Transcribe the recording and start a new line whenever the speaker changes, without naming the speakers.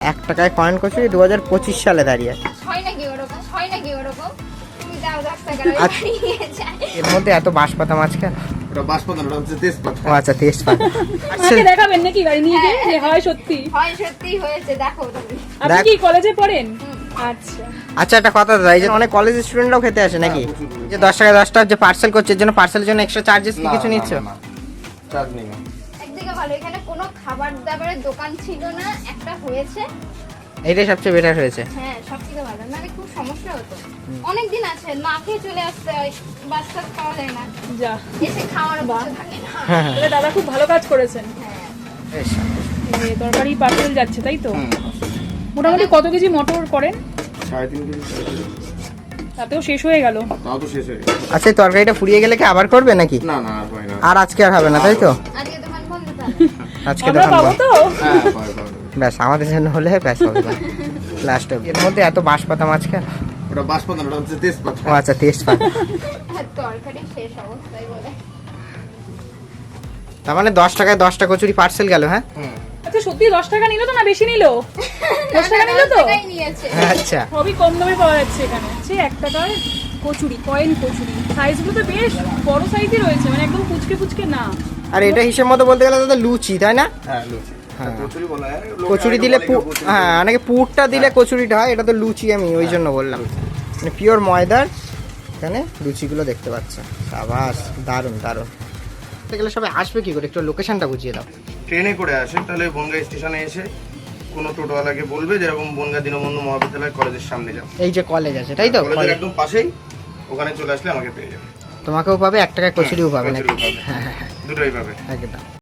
1 টাকায় কয়েন কচুরি 2025 সালে দাঁড়িয়ে আছে। এর মধ্যে এত বাঁশপাতা মাছ কেন?
ওটা বাঁশপাতা না, ওটা হচ্ছে তেজপাতা।
ও আচ্ছা, তেজপাতা।
আমাকে দেখাবেন নাকি গাড়ি নিয়ে গিয়ে যে হয় সত্যি
হয়েছে দেখো তুমি।
আপনি কি কলেজে পড়েন? আচ্ছা
আচ্ছা, একটা কথা দাদা, এই যে অনেক কলেজ স্টুডেন্টরাও খেতে আসে নাকি? যে 10 টাকা 10 টাকা যে পার্সেল করছে, এর জন্য পার্সেলের জন্য এক্সট্রা চার্জেস কি কিছু নিচ্ছ?
চার্জ নেই না।
একদিকে ভালো, এখানে কোনো খাবার দাবারের দোকান ছিল না, একটা হয়েছে।
এইটাই সবচেয়ে বেটার হয়েছে।
হ্যাঁ, সবথেকে ভালো। নাহলে খুব সমস্যা হতো। অনেক দিন আছে, না খেয়ে চলে আসতে হয়, বাচ্চা খাওয়া যায় না,
যা
এসে খাওয়ার বসে থাকে না।
তাহলে দাদা খুব ভালো কাজ করেছেন।
হ্যাঁ,
বেশ।
এই তরকারি পার্সেল যাচ্ছে তাই তো? মোটামুটি কত কেজি মটর করেন?
3.5 কেজি।
তাতেও শেষ হয়ে গেল।
তাও তো শেষ হয়ে গেছে।
আচ্ছা, এই তরকারিটা ফুরিয়ে গেলে কি আবার করবে নাকি?
না না, আর হয় না।
আর আজকে আর হবে না তাই তো?
আজকে দোকান বন্ধ তাহলে।
আজকে
আমরা
দোকান
পাবো
বন্ধ।
তো?
হ্যাঁ, পাবে, পাবে।
ব্যাস, আমাদের জন্য হলে ব্যাস হবে। লাস্ট এর মধ্যে এত বাঁশপাতা মাছ কেন?
ওটা বাঁশপাতা না, ওটা হচ্ছে তেজপাতা।
ও আচ্ছা, তেজপাতা।
হ্যাঁ, তরকারি শেষ অবস্থায় বলে।
তার মানে 10 টাকায় 10টা কচুরি পার্সেল গেল। হ্যাঁ
আচ্ছা সত্যি 10 টাকা নিল তো না বেশি নিল? 10 টাকা নিল তো?
টাকাই নিয়েছে।
আচ্ছা,
সবই কম দামে পাওয়া যাচ্ছে এখানে। সে 1 টাকার কচুরি, কয়েন কচুরি। সাইজগুলো তো বেশ বড় সাইজই রয়েছে, মানে একদম ফুচকে ফুচকে না।
আর এটা হিসেব মতো বলতে গেলে দাদা লুচি, তাই না?
হ্যাঁ, লুচি।
হ্যাঁ।
কচুরি বলা হয়।
কচুরি দিলে হ্যাঁ, অনেকে পুরটা দিলে কচুরিটা হয়, এটা তো লুচি, আমি ওই জন্য বললাম। মানে পিওর ময়দার এখানে লুচিগুলো দেখতে পাচ্ছ। সাবাস, দারুণ দারুণ। গেলে সবাই আসবে কি করে, একটু লোকেশনটা বুঝিয়ে দাও।
ট্রেনে করে আসে, তাহলে বনগাঁ স্টেশনে এসে কোনো টোটোওয়ালাকে বলবে যেরকম বনগাঁ দীনবন্ধু মহাবিদ্যালয় কলেজের সামনে যাও।
এই যে কলেজ আছে তাই তো?
কলেজের একদম পাশেই, ওখানে চলে আসলে আমাকে পেয়ে যাবে।
তোমাকেও পাবে, 1 টাকায় কচুরিও পাবে নাকি?
কচুরিও পাবে। দুটোই পাবে।
একদম।